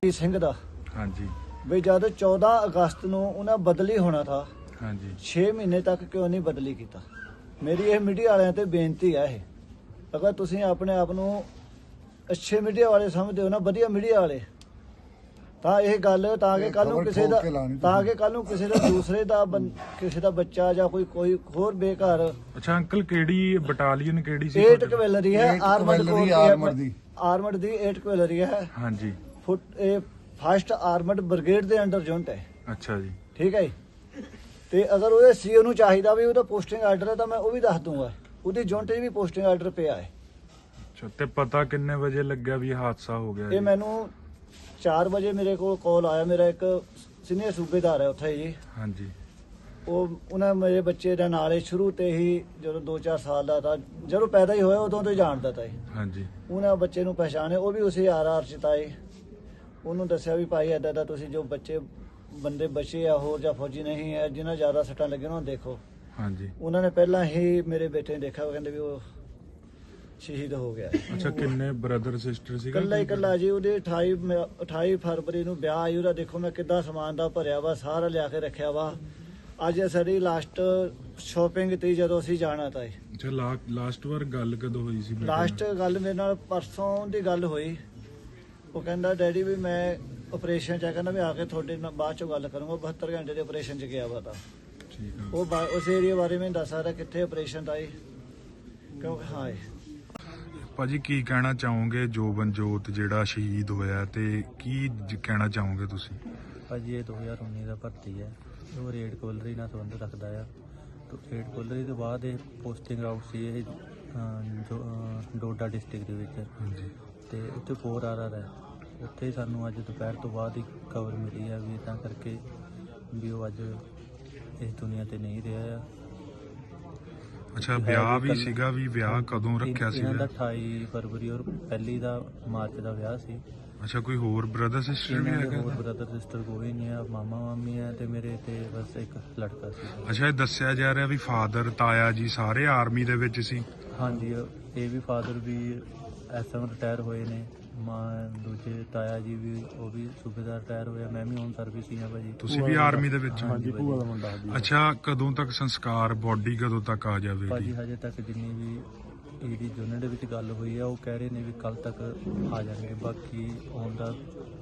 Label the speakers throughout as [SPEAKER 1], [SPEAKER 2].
[SPEAKER 1] ਰਣਜੀਤ ਸਿੰਘ ਦਾ।
[SPEAKER 2] हाँ जी।
[SPEAKER 1] ਵੀ ਜਦ 14 ਅਗਸਤ ਨੂੰ ਉਹਨਾਂ ਬਦਲੀ ਹੋਣਾ ਥਾ,
[SPEAKER 2] हाँ जी।
[SPEAKER 1] 6 ਮਹੀਨੇ ਤੱਕ ਕਿਉਂ ਨਹੀਂ ਬਦਲੀ ਕੀਤਾ? ਮੇਰੀ ਇਹ ਮੀਡੀਆ ਵਾਲਿਆਂ ਤੇ ਬੇਨਤੀ ਹੈ, ਇਹ ਅਗਰ ਤੁਸੀਂ ਆਪਣੇ ਆਪ ਨੂੰ ਅੱਛੇ ਮੀਡੀਆ ਵਾਲੇ ਸਮਝਦੇ ਹੋ ਨਾ, ਵਧੀਆ ਮੀਡੀਆ ਵਾਲੇ, ਤਾਂ ਇਹ ਗੱਲ ਤਾਂ ਕਿ ਕੱਲ ਨੂੰ ਕਿਸੇ ਦਾ ਕਿਸੇ ਦਾ ਦੂਸਰੇ ਦਾ ਕਿਸੇ ਦਾ ਬੱਚਾ ਜਾਂ ਕੋਈ ਹੋਰ ਬੇਘਰ।
[SPEAKER 2] अच्छा अंकल केड़ी बटालियन केड़ी सी?
[SPEAKER 1] 8 ਕਵੈਲਰੀ ਹੈ, ਆਰਮਡ ਦੀ 8 ਕਵੈਲਰੀ ਹੈ।
[SPEAKER 2] हाँ जी।
[SPEAKER 1] ਫਸਟ ਆਰਮਡ ਬ੍ਰਿਗੇਡ ਦੇ ਅੰਡਰ ਯੂਨਿਟ ਹੈ।
[SPEAKER 2] अच्छा जी।
[SPEAKER 1] ਠੀਕ ਹੈ ਜੀ। ਤੇ ਅਗਰ ਉਹਦੇ ਸੀਓ ਨੂੰ ਚਾਹੀਦਾ ਵੀ ਉਹਦਾ ਪੋਸਟਿੰਗ ਆਰਡਰ ਹੈ ਤਾਂ ਮੈਂ ਉਹ ਵੀ ਦੱਸ ਦੂੰਗਾ, ਉਹਦੀ ਯੂਨਿਟ 'ਚ ਵੀ ਪੋਸਟਿੰਗ ਆਰਡਰ ਪਿਆ ਹੈ।
[SPEAKER 2] अच्छा ते पता किन्ने बजे लग गया भी हादसा हो गया?
[SPEAKER 1] ਇਹ ਮੈਨੂੰ 4 ਵਜੇ ਮੇਰੇ ਕੋਲ ਕਾਲ ਆਇਆ, ਮੇਰਾ ਇੱਕ ਸੀਨੀਅਰ ਸੂਬੇਦਾਰ ਹੈ ਉੱਥੇ ਜੀ।
[SPEAKER 2] हाँ जी।
[SPEAKER 1] ਉਹਨਾਂ ਮੇਰੇ ਬੱਚੇ ਦਾ ਨਾਲ ਹੀ ਸ਼ੁਰੂ ਤੇ ਹੀ ਜਦੋਂ 2-4 ਸਾਲ ਦਾ ਤਾਂ ਜਦੋਂ ਪੈਦਾ ਹੀ ਹੋਇਆ ਉਦੋਂ ਤੋਂ ਹੀ ਜਾਣਦਾ ਤਾ ਜੀ।
[SPEAKER 2] हाँ जी।
[SPEAKER 1] ਉਹਨਾਂ ਬੱਚੇ ਨੂੰ ਪਛਾਣਿਆ, ਉਹ ਵੀ ਉਸੇ ਆਰ ਚ ਤਾਂ ਜੀ। ਉਹਨੂੰ ਦੱਸਿਆ ਵੀ ਭਾਈ ਏਦਾਂ ਦਾ ਤੁਸੀਂ ਜੋ ਬੰਦੇ ਬਚੇ ਆ ਹੋਰ ਜਾਂ ਫੌਜੀ ਨਹੀਂ ਹੈ ਜਿਨ੍ਹਾਂ ਜ਼ਿਆਦਾ ਸੱਟਾਂ ਲੱਗੀਆਂ ਉਹਨਾਂ ਨੂੰ ਦੇਖੋ।
[SPEAKER 2] हाँ जी।
[SPEAKER 1] ਉਹਨਾਂ ਨੇ ਪਹਿਲਾਂ ਹੀ ਮੇਰੇ ਬੇਟੇ ਨੇ ਦੇਖਿਆ, ਉਹ ਕਹਿੰਦੇ ਵੀ ਉਹ ਸ਼ਹੀਦ ਹੋ ਗਿਆ।
[SPEAKER 2] अच्छा किन्ने ब्रदर सिस्टर सी?
[SPEAKER 1] ਇਕੱਲਾ ਜੀ। ਉਹਦੇ 28 ਫਰਵਰੀ ਨੂੰ ਵਿਆਹ ਆਈ ਉਹਦਾ। ਦੇਖੋ ਮੈਂ ਕਿੱਦਾਂ ਸਮਾਨ ਦਾ ਭਰਿਆ ਵਾ, ਸਾਰਾ ਲਿਆ ਕੇ ਰੱਖਿਆ ਵਾ। ਅੱਜ ਸਾਡੀ ਲਾਸਟ ਸ਼ਾਪਿੰਗ ਤੀ ਜਦੋਂ ਅਸੀਂ ਜਾਣਾ ਤਾਂ।
[SPEAKER 2] अच्छा लास्ट बार गल कदों हुई सी?
[SPEAKER 1] ਲਾਸਟ ਗੱਲ ਮੇਰੇ ਨਾਲ ਪਰਸੋਂ ਦੀ ਗੱਲ ਹੋਈ। ਉਹ ਕਹਿੰਦਾ ਡੈਡੀ ਵੀ ਮੈਂ ਆਪਰੇਸ਼ਨ ਚ ਆ, ਕਹਿੰਦਾ ਵੀ ਆ ਕੇ ਤੁਹਾਡੇ ਨਾਲ ਬਾਅਦ ਚੋਂ ਗੱਲ ਕਰੂੰਗਾ। 72 ਘੰਟੇ ਦੇ ਆਪਰੇਸ਼ਨ ਚ ਗਿਆ ਵਾ ਤਾਂ।
[SPEAKER 2] ठीक है।
[SPEAKER 1] ਉਹ ਉਸ ਏਰੀਆ ਬਾਰੇ ਮੈਨੂੰ ਦੱਸ ਸਕਦਾ ਕਿੱਥੇ ਆਪਰੇਸ਼ਨ ਦਾ ਕਿਉਂਕਿ ਹਾਂ
[SPEAKER 2] ਭਾਜੀ ਕੀ ਕਹਿਣਾ ਚਾਹੋਗੇ ਜੋਬਨਜੋਤ ਜਿਹੜਾ ਸ਼ਹੀਦ ਹੋਇਆ ਤੇ ਕੀ ਕਹਿਣਾ ਚਾਹੋਗੇ ਤੁਸੀਂ?
[SPEAKER 3] ਭਾਜੀ ਇਹ 2019 ਦਾ ਭਰਤੀ ਹੈ, ਉਹ ਰੇਡ ਕੋਲਰੀ ਨਾਲ ਸੰਬੰਧ ਰੱਖਦਾ ਆ। ਰੇਡ ਕੋਲਰੀ ਤੋਂ ਬਾਅਦ ਇਹ ਪੋਸਟਿੰਗ ਆਊਟ ਸੀ ਇਹ ਡੋਡਾ ਡਿਸਟ੍ਰਿਕਟ ਦੇ ਵਿੱਚ।
[SPEAKER 2] ਹਾਂਜੀ।
[SPEAKER 3] ਤੇ ਉੱਥੇ 4RR ਹੈ, ਉੱਥੇ ਸਾਨੂੰ ਅੱਜ ਦੁਪਹਿਰ ਤੋਂ ਬਾਅਦ ਹੀ ਖਬਰ ਮਿਲੀ ਹੈ ਵੀ ਤਾਂ ਕਰਕੇ ਵੀ ਉਹ ਅੱਜ ਇਸ ਦੁਨੀਆ ਤੇ ਨਹੀਂ ਰਿਹਾ ਆ।
[SPEAKER 2] ਅੱਛਾ ਵਿਆਹ ਵੀ ਸੀਗਾ, ਵੀ ਵਿਆਹ ਕਦੋਂ ਰੱਖਿਆ ਸੀ?
[SPEAKER 3] ਇਹਨਾਂ ਦਾ 28 ਫਰਵਰੀ ਔਰ ਪਹਿਲੀ ਦਾ ਮਾਰਚ ਦਾ ਵਿਆਹ ਸੀ।
[SPEAKER 2] ਅੱਛਾ ਕੋਈ ਹੋਰ ਬ੍ਰਦਰ ਸਿਸਟਰ ਵੀ ਹੈਗਾ?
[SPEAKER 3] ਹੋਰ ਬ੍ਰਦਰ ਸਿਸਟਰ ਕੋਈ ਨਹੀਂ ਆ, ਮਾਮਾ ਮਾਮੀ ਹੈ ਤੇ ਮੇਰੇ ਤੇ ਬਸ ਇੱਕ ਲੜਕਾ ਸੀ।
[SPEAKER 2] ਅੱਛਾ ਇਹ ਦੱਸਿਆ ਜਾ ਰਿਹਾ ਵੀ ਫਾਦਰ ਤਾਇਆ ਜੀ ਸਾਰੇ ਆਰਮੀ ਦੇ ਵਿੱਚ ਸੀ?
[SPEAKER 3] ਹਾਂਜੀ, ਇਹ ਵੀ ਫਾਦਰ ਵੀ ਐਸਐਮ ਰਿਟਾਇਰ ਹੋਏ ਨੇ, ਦੂਜੇ ਤਾਇਆ ਜੀ ਵੀ ਉਹ ਵੀ ਸੂਬੇਦਾਰ ਰਿਟਾਇਰ ਹੋਇਆ। ਮੈਂ ਵੀ ਹੁਣ ਸਰਵਿਸ ਹੀ ਆ ਭਾਜੀ।
[SPEAKER 2] ਤੁਸੀਂ ਵੀ ਆਰਮੀ ਦੇ ਵਿੱਚ?
[SPEAKER 3] ਹਾਂਜੀ, ਭੂਆ ਦਾ ਮੁੰਡਾ।
[SPEAKER 2] ਅੱਛਾ ਕਦੋਂ ਤੱਕ ਸੰਸਕਾਰ, ਬੋਡੀ ਕਦੋਂ ਤੱਕ ਆ ਜਾਵੇਗੀ?
[SPEAKER 3] ਭਾਜੀ ਹਜੇ ਤੱਕ ਜਿੰਨੀ ਵੀ ਇਹਦੀ ਯੂਨਿਟ ਦੇ ਵਿੱਚ ਗੱਲ ਹੋਈ ਆ ਉਹ ਕਹਿ ਰਹੇ ਨੇ ਵੀ ਕੱਲ ਤੱਕ ਆ ਜਾਣਗੇ। ਬਾਕੀ ਆਉਣ ਦਾ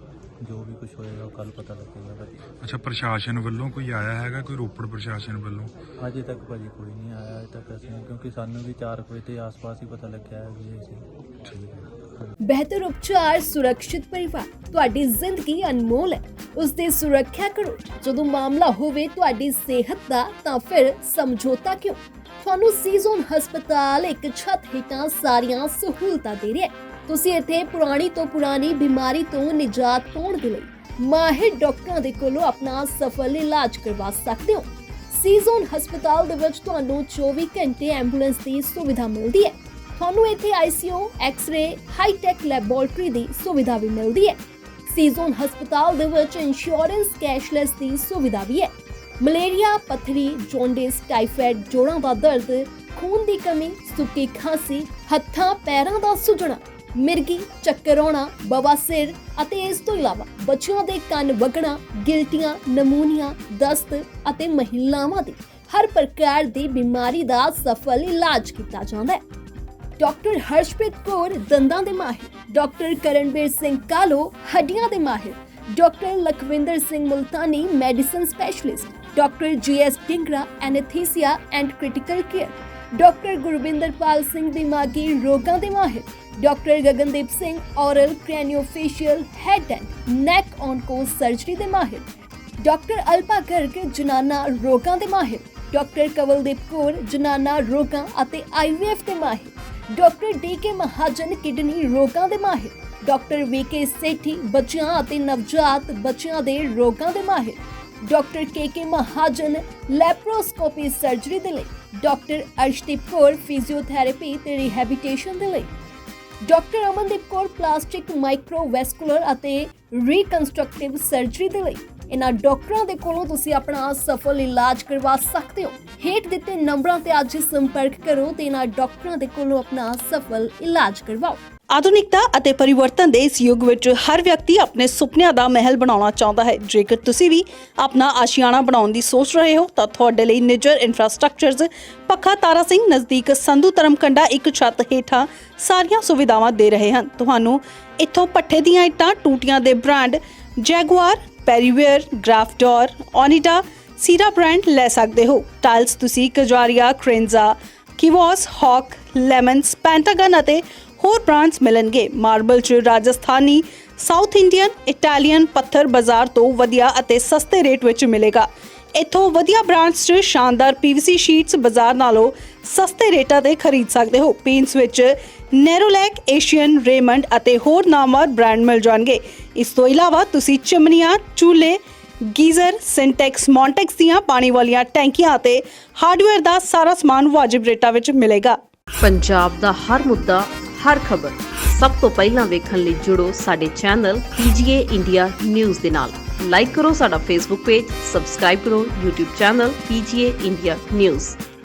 [SPEAKER 3] ਜੋ ਵੀ ਕੁਝ ਹੋਏਗਾ ਉਹ ਕੱਲ ਪਤਾ ਲੱਗੇਗਾ ਭਾਜੀ।
[SPEAKER 2] ਅੱਛਾ ਪ੍ਰਸ਼ਾਸਨ ਵੱਲੋਂ ਕੋਈ ਆਇਆ ਹੈਗਾ, ਕੋਈ ਰੋਪੜ ਪ੍ਰਸ਼ਾਸਨ ਵੱਲੋਂ?
[SPEAKER 3] ਅਜੇ ਤੱਕ ਭਾਜੀ ਕੋਈ ਨਹੀਂ ਆਇਆ ਅਜੇ ਤੱਕ ਅਸੀਂ, ਕਿਉਂਕਿ ਸਾਨੂੰ ਵੀ 4 ਵਜੇ ਦੇ ਆਸ-ਪਾਸ ਹੀ ਪਤਾ ਲੱਗਿਆ ਹੈ ਵੀ ਅਸੀਂ।
[SPEAKER 2] ਠੀਕ ਹੈ।
[SPEAKER 4] ਬਿਹਤਰ ਉਪਚਾਰ, ਸੁਰੱਖਿਅਤ ਪਰਿਵਾਰ। ਤੁਹਾਡੀ ਜ਼ਿੰਦਗੀ ਅਨਮੋਲ ਹੈ, ਉਸ ਦੀ ਸੁਰੱਖਿਆ ਕਰੋ। ਜਦੋਂ ਮਾਮਲਾ ਹੋਵੇ ਤੁਹਾਡੀ ਸਿਹਤ ਦਾ ਤਾਂ ਫਿਰ ਸਮਝੌਤਾ ਕਿਉਂ? ਤੁਹਾਨੂੰ ਸੀਜ਼ਨ ਹਸਪਤਾਲ ਇੱਕ ਛੱਤ ਹੇਠਾਂ ਸਾਰੀਆਂ ਸਹੂਲਤਾਂ ਦੇ ਰਿਹਾ ਹੈ। ਤੁਸੀਂ ਇੱਥੇ ਪੁਰਾਣੀ ਤੋਂ ਪੁਰਾਣੀ ਬਿਮਾਰੀ ਤੋਂ ਨਿਜਾਤ ਪਾਉਣ ਦੇ ਲਈ ਮਾਹਿਰ ਡਾਕਟਰਾਂ ਦੇ ਕੋਲੋਂ ਆਪਣਾ ਸਫਲ ਇਲਾਜ ਕਰਵਾ ਸਕਦੇ ਹੋ। ਸੀਜ਼ਨ ਹਸਪਤਾਲ ਦੇ ਵਿੱਚ ਤੁਹਾਨੂੰ 24 ਘੰਟੇ ਐਂਬੂਲੈਂਸ ਦੀ ਸੁਵਿਧਾ ਮਿਲਦੀ ਹੈ। ਤੁਹਾਨੂੰ ਇੱਥੇ ICU, ਐਕਸ-ਰੇ, ਹਾਈ-ਟੈਕ ਲੈਬੋਰੇਟਰੀ ਦੀ ਸੁਵਿਧਾ ਵੀ ਮਿਲਦੀ ਹੈ। ਸੀਜ਼ਨ ਹਸਪਤਾਲ ਦੇ ਵਿੱਚ ਇੰਸ਼ੋਰੈਂਸ ਕੈਸ਼ਲੈਸ ਦੀ ਸੁਵਿਧਾ ਵੀ ਹੈ। ਮਲੇਰੀਆ, ਪੱਥਰੀ, ਜੌਂਡਿਸ, ਟਾਈਫਾਇਡ, ਜੋੜਾਂ ਦਾ ਦਰਦ, ਖੂਨ ਦੀ ਕਮੀ, ਸੁੱਕੀ ਖਾਂਸੀ, ਹੱਥਾਂ ਪੈਰਾਂ ਦਾ ਸੁੱਜਣਾ, ਮਿਰਗੀ, ਚੱਕਰ ਆਉਣਾ, ਬਵਾਸੀਰ ਅਤੇ ਇਸ ਤੋਂ ਇਲਾਵਾ ਬੱਚਿਆਂ ਦੇ ਕੰਨ ਵਗਣਾ, ਗਿਲਟੀਆਂ, ਨਮੂਨੀਆ, ਦਸਤ ਅਤੇ ਮਹਿਲਾਵਾਂ ਦੀ ਹਰ ਪ੍ਰਕਾਰ ਦੀ ਬਿਮਾਰੀ ਦਾ ਸਫਲ ਇਲਾਜ ਕੀਤਾ ਜਾਂਦਾ ਹੈ। ਡਾਕਟਰ ਹਰਸ਼ਪ੍ਰੀਤ ਕੌਰ ਦੰਦਾਂ ਦੇ ਮਾਹਿਰ, ਡਾਕਟਰ ਕਰਨਵੀਰ ਸਿੰਘ ਕਾਲੋ ਹੱਡੀਆਂ ਦੇ ਮਾਹਿਰ, doctor Lakhwinder Singh Multani medicine specialist, doctor GS Dhingra anaesthesia and critical care, doctor Gurwinderpal Singh ਦਿਮਾਗੀ ਰੋਗਾਂ ਦੇ ਮਾਹਿਰ, doctor Gagandeep Singh oral craniofacial head and neck onco surgery ਦੇ ਮਾਹਿਰ, ਡਾਕਟਰ ਅਲਪਾ ਗਰਗ ਜਨਾਨਾ ਰੋਗਾਂ ਦੇ ਮਾਹਿਰ, ਡਾਕਟਰ ਕਵਲਦੀਪ ਕੌਰ ਜਨਾਨਾ ਰੋਗਾਂ ਅਤੇ IVF ਦੇ ਮਾਹਿਰ, ਡਾਕਟਰ DK ਮਹਾਜਨ ਕਿਡਨੀ ਰੋਗਾਂ ਦੇ ਮਾਹਿਰ, ਡਾਕਟਰ VK ਸੇਠੀ ਬੱਚਿਆਂ ਅਤੇ ਨਵਜਾਤ ਬੱਚਿਆਂ ਦੇ ਰੋਗਾਂ ਦੇ ਮਾਹਿਰ, doctor KK Mahajan laparoscopy surgery ਦੇ ਲਈ, ਡਾਕਟਰ ਅਰਸ਼ਦੀਪ ਕੌਰ ਫਿਜ਼ੀਓਥੈਰੇਪੀ ਤੇ ਰਿਹੈਬਿਲਿਟੇਸ਼ਨ ਦੇ ਲਈ, doctor Amandeep Kaur plastic microvascular ਅਤੇ ਰੀਕਨਸਟਰਕਟਿਵ ਸਰਜਰੀ ਦੇ ਲਈ। ਇਹਨਾਂ ਡਾਕਟਰਾਂ ਦੇ ਕੋਲੋਂ ਤੁਸੀਂ ਆਪਣਾ ਸਫਲ ਇਲਾਜ ਕਰਵਾ ਸਕਦੇ ਹੋ। ਹੇਠ ਦਿੱਤੇ ਨੰਬਰਾਂ ਤੇ ਅੱਜ ਸੰਪਰਕ ਕਰੋ ਤੇ ਇਹਨਾਂ ਡਾਕਟਰਾਂ ਦੇ ਕੋਲੋਂ ਆਪਣਾ ਸਫਲ ਇਲਾਜ ਕਰਵਾਓ।
[SPEAKER 5] ਆਧੁਨਿਕਤਾ ਅਤੇ ਪਰਿਵਰਤਨ ਦੇ ਇਸ ਯੁੱਗ ਵਿੱਚ ਹਰ ਵਿਅਕਤੀ ਆਪਣੇ ਸੁਪਨਿਆਂ ਦਾ ਮਹਿਲ ਬਣਾਉਣਾ ਚਾਹੁੰਦਾ ਹੈ। ਜੇਕਰ ਤੁਸੀਂ ਵੀ ਆਪਣਾ ਆਸ਼ੀਆਨਾ ਬਣਾਉਣ ਦੀ ਸੋਚ ਰਹੇ ਹੋ ਤਾਂ ਤੁਹਾਡੇ ਲਈ ਨਿੱਜਰ ਇਨਫਰਾਸਟ੍ਰਕਚਰਜ਼ ਪੱਖਾ ਤਾਰਾ ਸਿੰਘ ਨਜ਼ਦੀਕ ਸੰਧੂ ਧਰਮਕੰਡਾ ਇੱਕ ਛੱਤ ਹੇਠਾਂ ਸਾਰੀਆਂ ਸੁਵਿਧਾਵਾਂ ਦੇ ਰਹੇ ਹਨ। ਤੁਹਾਨੂੰ ਇੱਥੋਂ ਪੱਠੇ ਦੀਆਂ ਇੱਟਾਂ, ਟੂਟੀਆਂ ਦੇ ਬ੍ਰਾਂਡ ਜੈਗੁਆਰ, ਪੈਰੀਵੇਅਰ, ਗ੍ਰਾਫਡੋਰ, ਓਨੀਡਾ, ਸੀਰਾ ਬ੍ਰਾਂਡ ਲੈ ਸਕਦੇ ਹੋ। ਟਾਈਲਸ ਤੁਸੀਂ ਕਜਾਰੀਆ, ਕ੍ਰੇਨਜ਼ਾ, ਕਿਵੋਸ, ਹੌਕ, ਲੈਮਨਸ, ਪੈਂਟਾਗਨ ਅਤੇ ਹੋਰ ਬ੍ਰਾਂਡਸ ਮਿਲਣਗੇ। ਮਾਰਬਲ 'ਚ ਰਾਜਸਥਾਨੀ, ਸਾਊਥ ਇੰਡੀਅਨ, ਇਟਾਲੀਅਨ ਪੱਥਰ ਬਾਜ਼ਾਰ ਤੋਂ ਵਧੀਆ ਅਤੇ ਸਸਤੇ ਰੇਟ ਵਿੱਚ ਮਿਲੇਗਾ। ਇੱਥੋਂ ਵਧੀਆ ਬ੍ਰਾਂਡਸ 'ਚ ਸ਼ਾਨਦਾਰ PVC ਸ਼ੀਟਸ ਬਾਜ਼ਾਰ ਨਾਲੋਂ ਸਸਤੇ ਰੇਟਾਂ ਤੇ ਖਰੀਦ ਸਕਦੇ ਹੋ। ਪੇਂਟਸ ਵਿੱਚ ਨੈਰੋਲੈਕ, ਏਸ਼ੀਅਨ, ਰੇਮੰਡ ਅਤੇ ਹੋਰ ਨਾਮਵਰ ਬ੍ਰਾਂਡ ਮਿਲ ਜਾਣਗੇ। ਇਸ ਤੋਂ ਇਲਾਵਾ ਤੁਸੀਂ ਚਿਮਨੀਆਂ, ਚੂਲੇ, ਗੀਜ਼ਰ, ਸਿੰਟੈਕਸ, ਮੌਂਟੈਕਸ ਦੀਆਂ ਪਾਣੀ ਵਾਲੀਆਂ ਟੈਂਕੀਆਂ ਅਤੇ ਹਾਰਡਵੇਅਰ ਦਾ ਸਾਰਾ ਸਮਾਨ ਵਾਜਿਬ ਰੇਟਾਂ ਵਿੱਚ ਮਿਲੇਗਾ।
[SPEAKER 6] ਪੰਜਾਬ ਦਾ ਹਰ ਮੁੱਦਾ, ਹਰ ਖਬਰ ਸਭ ਤੋਂ ਪਹਿਲਾਂ ਵੇਖਣ ਲਈ ਜੁੜੋ ਸਾਡੇ ਚੈਨਲ PGA ਇੰਡੀਆ ਨਿਊਜ਼ ਦੇ ਨਾਲ। ਲਾਈਕ ਕਰੋ ਸਾਡਾ Facebook ਪੇਜ, ਸਬਸਕ੍ਰਾਈਬ ਕਰੋ YouTube channel PGA India news.